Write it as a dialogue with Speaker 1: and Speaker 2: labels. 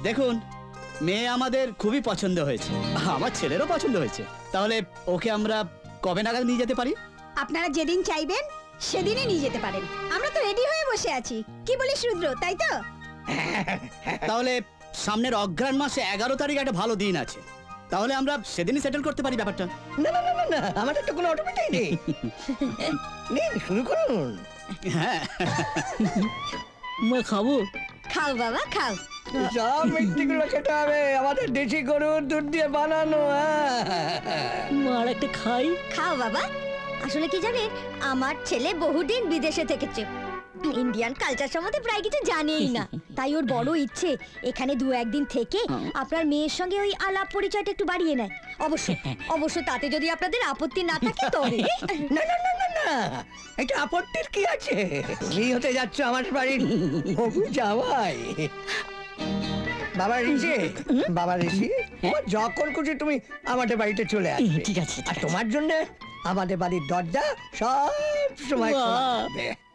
Speaker 1: দেখুন, মেয়ে আমাদের খুবই পছন্দ হয়েছে, আমার ছেলেরও পছন্দ হয়েছে। তাহলে ওকে আমরা কবে নাগাদ নিয়ে যেতে পারি?
Speaker 2: আপনারা যেদিন চাইবেন সেদিনই নিয়ে যেতে পারেন। আমরা তো রেডি হয়ে বসে আছি। কি বলিস রুদ্র, তাই তো?
Speaker 1: তাহলে সামনের অগ্রহায়ণ মাসে 11 তারিখ একটা ভালো দিন আছে, তাহলে আমরা সেদিনই সেটেল করতে পারি ব্যাপারটা।
Speaker 3: না না না না না, আমাদের তো কোনো অটোমেটিক নেই। নিন, শুরু করুন।
Speaker 1: হ্যাঁ,
Speaker 4: মা খাবো?
Speaker 2: খাও বাবা খাও।
Speaker 3: সব মিষ্টিগুলো খেতে হবে, আমাদের দেশি গরুর দুধ দিয়ে বানানো।
Speaker 4: মা আর একটা খাই।
Speaker 2: খাও বাবা। আসলে কি জানেন, আমার ছেলে বহুদিন বিদেশে থেকেছে, ইন্ডিয়ান কালচার সম্বন্ধে প্রায় কিছু জানেই না। তাই ওর বড় ইচ্ছে এখানে 2-1 দিন থেকে আপনার মেয়ের সঙ্গে ওই আলাপ পরিচয়টা একটু বাড়িয়ে নেয়। অবশ্য তাতে যদি আপনাদের আপত্তি না থাকে তবে।
Speaker 3: না না না না না, এটা আপত্তির কি আছে? তুমি হতে যাচ্ছ আমার বাড়ির হবু জামাই। বাবা ঋষি, বাবা ঋষি, যখন খুশি তুমি আমাদের বাড়িতে চলে আসবে।
Speaker 4: ঠিক আছে,
Speaker 3: আর তোমার জন্য আমাদের বাড়ির দরজা সব সময় খোলা থাকবে।